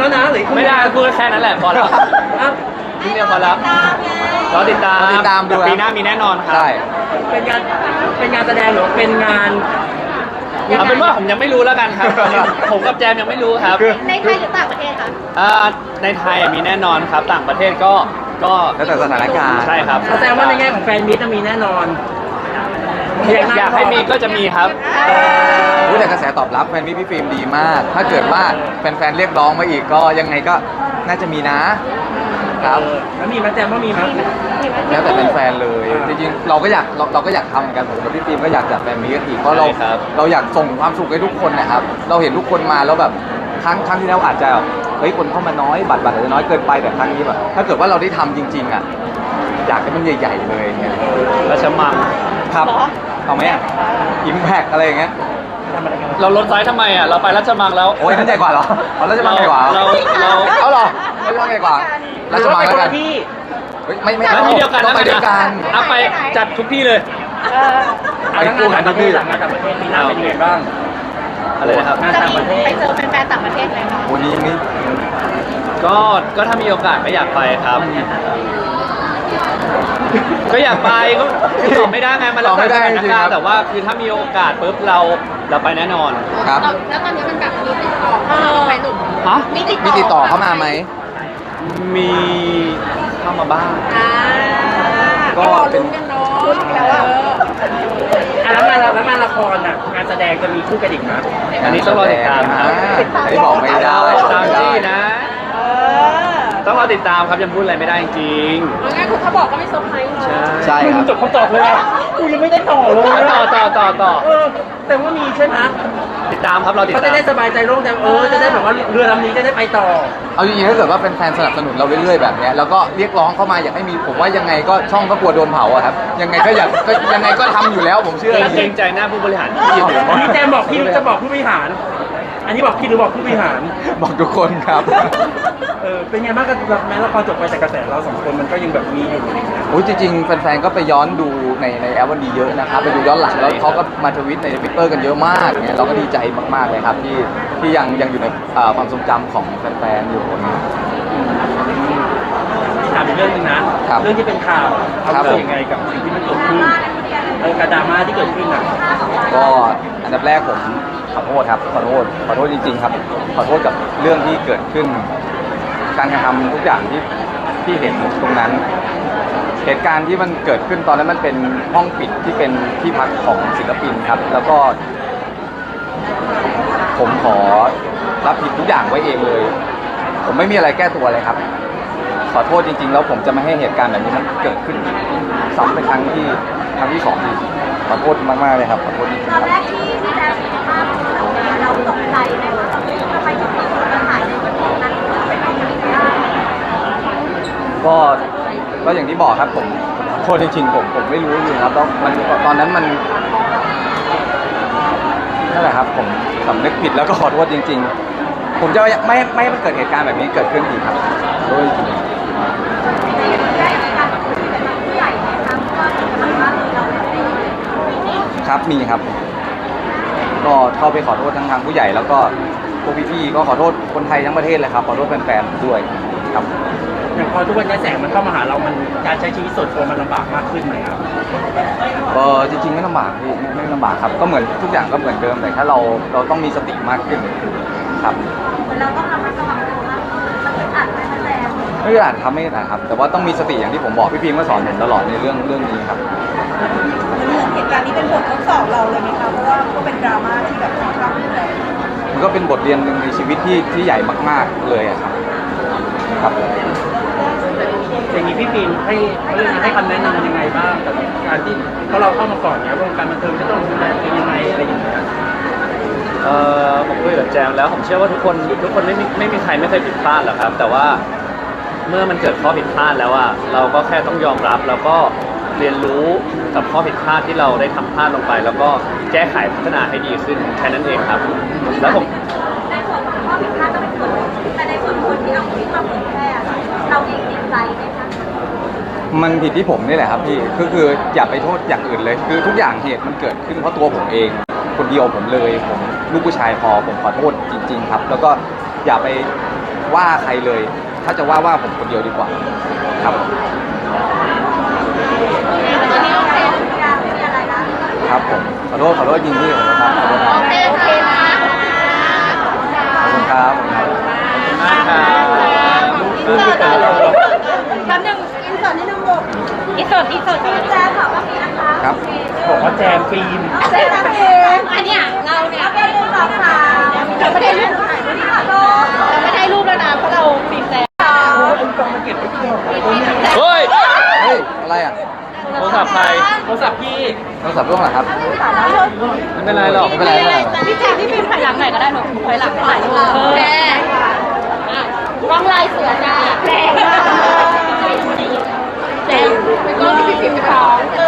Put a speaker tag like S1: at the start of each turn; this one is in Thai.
S1: แล้วนะหรือ
S2: ไม่ได้พูดแค่นั้นแหละพอแล้วนิดเดียวพอแล้วรอติดตาม
S3: ดู
S2: แต่ปีหน้ามีแน่นอนครับ
S3: ใช่
S1: เป็นงานแสดงหรือเป็นงาน
S2: เอาเป็นว่าผมยังไม่รู้แล้วกันครับผมกับแจมยังไม่รู้ครับ
S4: ในไทยหรือต่างประเทศคะ
S2: ในไทยมีแน่นอนครับต่างประเทศก็
S3: แล้วแต่สถานการณ์
S2: ใช่ครับ
S1: แสดงว่าในแง่ของแฟนมิตรมีแน่นอน
S2: อยากให้มีก็จะมีครับ
S3: รู้แต่กระแสตอบรับแฟนพี่ฟิล์มดีมาก ถ้าเกิดว่าแฟนๆเรียกร้องมาอีกก็ยังไงก็น่าจะมีนะครับ
S1: แล้วมีมั้ยแจมว่ามีมั้ย
S3: แล้วแต่แฟนๆเลยจริงๆเราก็อยากทำเหมือนกันผมกับพี่ฟิล์มก็อยากจัดแฟนมีกันอีกเพราะเรา
S2: ใช่ครับ
S3: เราอยากส่งความสุขให้ทุกคนนะครับเราเห็นทุกคนมาแล้วแบบครั้งที่แล้วอาจจะแบบเฮ้ยคนเข้ามาน้อยบัตรอาจจะน้อยเกินไปแต่ครั้งนี้แบบถ้าเกิดว่าเราได้ทำจริงๆอ่ะอยากให้มันใหญ่ๆเลยเนี่ย
S2: ราชมัง
S3: ครับเอาไหมอ่ะอิมแพกอะไรอย่างเงี้ย
S2: เราลดไซส์ทำไมอ่ะเราไปราชมังแล้ว
S3: โอ้ยนั่นใหญ่กว่าเหรอเอาราชมังใหญ่กว่า
S2: เรา
S3: เอาเหรอราชมังใหญ่กว่าราชมังแล้วกัน
S1: ที่
S3: เฮ้ยไม่
S2: แล้วที่เดียวกัน
S3: ต้องไปด้วยกัน
S2: เอาไปจัดทุกที่เลย
S3: ไปคู่กันทุกที่
S1: ต่างประเทศมีน้าเป็นยังไงบ้าง
S2: อะไรนะครับ
S1: งาน
S4: จะ
S1: ต่าง
S4: มี
S1: ประเทศ
S4: ไปเจอแฟนๆต่างประเทศไหมคะ
S3: วันนี้นี่
S2: ก็ถ้ามีโอกาสก็อยากไปครับ ก็อยากไปก็ตอบไม่ได้ไงมันแล้วแต่สถานการณ์แต่ว่าคือถ้ามีโอกาสปุ๊บเราไปแน่นอน
S3: ครับ
S4: แล้วตอนนี้มันแบบมีติดต่อเข้ามาไหมหนุ่ม
S2: ฮะ
S4: มีติด
S3: มีติดต่อเข้ามาไหม
S2: มีเข้ามาบ้าง
S3: ก็เป็น
S4: ลุ้นแล้วอ่ะ
S1: แล้วงานละครอ่ะงานแสดงจะมีคู่กันอีกไหม
S2: อันนี้ต้องรอติดตามครับ
S3: อันนี้บอกไม่ได้
S2: ตามจี้นะ ต้องรอติดตามครับยังพูดอะไรไม่ได้จริง
S4: แล้วงั้นคุณเขาบอกก็ไม่เซอร์ไพรส์เนาะ
S3: ใช่ครับ
S1: จบคำตอบเลยอ่ะกูยังไม่ได้ต่อเลย
S2: ต่อ
S1: แต่ว่ามีใช่ไหม
S2: ติดตามครับเราติด
S1: เขา
S2: ตา
S1: จะ
S2: ม
S1: ได้สบายใจโล่งใจจะได้แบบว่าเรือลำนี้จะได้ไปต่อ
S3: เอาจริงๆถ้าเกิดว่าเป็นแฟนสนับสนุนเราเรื่อยๆแบบเนี้ยแล้วก็เรียกร้องเข้ามาอยากให้มีผมว่ายังไงก็ช่องก็กลัวโดนเผาอะครับยังไงก็อยากก็ยังไงก็ทำอยู่แล้วผมเชื่อจ
S2: เกร
S3: ริ
S2: ง
S3: ง
S2: ใจหน้าผู้บริหารที่ยืนอยู่
S1: พี่แจมบอกพี่จะบอกผู้บริหาร อันนี้บอกพี่หรือบอกผู้บริหาร
S3: ๆบอกทุกคนครับ
S1: เป็นไงบ้างกับแม้ละครจบไปแต่กระแสเราสองคนมันก็ยังแบบมีอยู่อะไรอย่างเงี้ย
S3: โอ้ยจริงๆแฟนๆก็ไปย้อนดูในแอปวันดีเยอะนะครับไปดูย้อนหลังแล้วเขาก็มาทวิตใน Twitter กันเยอะมากเนี่ยเราก็ดีใจมากๆเลยครับที่ยังอยู่ในความทรงจำของแฟนๆอยู่เนี่ย
S1: ถามอีกเรื่องหนึงนะ เรื่องที่เป็นข่าวเขา
S3: ครับ
S1: เกิดยังไงกับสิ่งที่มันเกิดขึ้นกับดราม่าที่เกิดขึ้นอ่ะ
S3: ก็อันดับแรกผมขอโทษครับขอโทษจริงๆครับขอโทษกับเรื่องที่เกิดขึ้น การกระทำทุกอย่างที่เห็นตรงนั้น เหตุการณ์ที่มันเกิดขึ้นตอนนั้นมันเป็นห้องปิดที่เป็นที่พักของศิลปินครับ แล้วก็ ผมขอรับผิดทุกอย่างไว้เองเลย ผมไม่มีอะไรแก้ตัวเลยครับ ขอโทษจริงๆแล้วผมจะไม่ให้เหตุการณ์แบบนี้มันเกิดขึ้นซ้ำเป็นครั้งที่สองอีกขอโทษมากๆเลยครับขอโทษจริงๆ
S4: ตอน
S3: ค
S4: แร
S3: รับ
S4: กที่แจมเห็นภาพเราตกใจไหมว่าทำไมถึงมีคนมาถ่ายในวันนั้นเป็นอะไรได้
S3: ก็อย่างที่บอกครับผมขอโทษจริงๆผมไม่รู้จริงๆครับแล้วมันตอนนั้นมันนั่นแหละครับผมสำนึกผิดแล้วก็ขอโทษจริงๆ ผมจะไม่ให้มันเกิดเหตุการณ์แบบนี้เกิดขึ้นอีกครับโดยจริง
S4: ได้มีการคุยกับทางผู้ใหญ่ไหมคะเพราะว่าเหมือนว่าเราไม่ได้
S3: ครับมีครับ ก็เข้าไปขอโทษทางผู้ใหญ่แล้วก็พวกพี่ๆก็ขอโทษคนไทยทั้งประเทศเลยครับขอโทษแฟนๆด้วยครับ
S1: อย่างพอทุกวันนี้แสงมันเข้ามาหาเรามันการใช้ชีวิตส่วนตัวมันลำบากมากขึ้นไหมครับ
S3: จริงๆไม่ลำบากพี่ไม่ลำบากครับก็เหมือนทุกอย่างก็เหมือนเดิมแต่ถ้าเราต้องมีสติมากขึ้นครับ
S4: เหมือนเราต้องระมัดระวังตัวมากมันอึดอัดไหมคะแจม
S3: ไม่ได้อ่านครับไม่ได้อ่านครับ แต่ว่าต้องมีสติอย่างที่ผมบอกพี่พิมก็สอนผมตลอดในเรื่องนี้ครับ
S5: เหตุการณ์นี้เป็นบททดสอบเราเลยไหมคะ เพราะว่าก็เป็นดราม่าที่แบบค่อนข้างรุนแรง
S3: มันก็เป็นบทเรียนหนึ่งในชีวิตที่ใหญ่มากๆเลยอะครับครับ
S1: อย่างนี้พี่ปิ่นให้คำแนะนำยังไงบ้างกับการที่เพราะเราเข้ามาก่อนเนี่ยวงการบันเทิงจะต้องดูแลตัวเองยังไงอะไรอย่างเงี้ย
S2: ผมคุยกับแจมแล้วผมเชื่อว่าทุกคนไม่มีใครไม่เคยผิดพลาดหรอกครับ แต่ว่าเมื่อมันเกิดข้อผิดพลาดแล้วอะเราก็แค่ต้องยอมรับแล้วก็เรียนรู้กับข้อผิดพลาดที่เราได้ทำพลาดลงไป แล้วก็แก้ไขพัฒนาให้ดีขึ้นแค่นั้นเองครับ แล้วผม
S4: ในส่วนของข้อผิดพลาดก็เป็นส่วนหนึ่งแต่ในส่วนคนที่เอาคลิปมาเผยแพร่เราเองติดใจไหมคะ
S3: มันผิดที่ผมนี่แหละครับพี่คืออย่าไปโทษอย่างอื่นเลย คือทุกอย่างเหตุมันเกิดขึ้นเพราะตัวผมเอง คนเดียวผมเลยผมลูกผู้ชายพอผมขอโทษจริง ๆ ครับ แล้วก็อย่าไปว่าใครเลย ถ้าจะว่าผมคนเดียวดีกว่าครับ
S4: ตอนนี้โอเคทุกอย่างไม่มีอะไรนะครับ
S3: ผมขอโทษยินดีขอโทษครับขอโทษครับ
S4: โอเคค่ะ
S3: ขอบคุณครับ
S2: มากครับ
S5: แป๊บนึงอินเสิร์ตนิดนึงลูกอินเสิร์ต
S4: แจ๊คขอบคุณนะคะ
S3: ครับ
S1: บอกว่าแจมฟิล์ม
S4: เจ๊เองอันเนี้ยเราเนี่ยเป็นเรื่องราวค่ะเราไม่ได้รูปถ่ายรูปค่ะโลก
S5: เราไม่ได้รูปแล้วนะเพราะเราปิดแล้ว
S2: เฮ้ย
S3: เฮ้ยอะไรอ่ะ
S2: โทรศัพท์ใคร
S1: โทรศัพท์พี่
S3: โทรศัพท์ร่วงเหรอครับ
S2: ไม่เป็นไรหรอก
S3: ไม่เป็นไรไม่เป็นไร
S5: พี่แจ๊คพี่ฟิล์มถ่ายหลังหน่อยก็ได้หนูถอยหลังถ่ายรูป
S4: โอเคกล้องลายเสือจ้าแรงมากแรงเป็นกล้องที่พี่พิมพ์ไปท้อง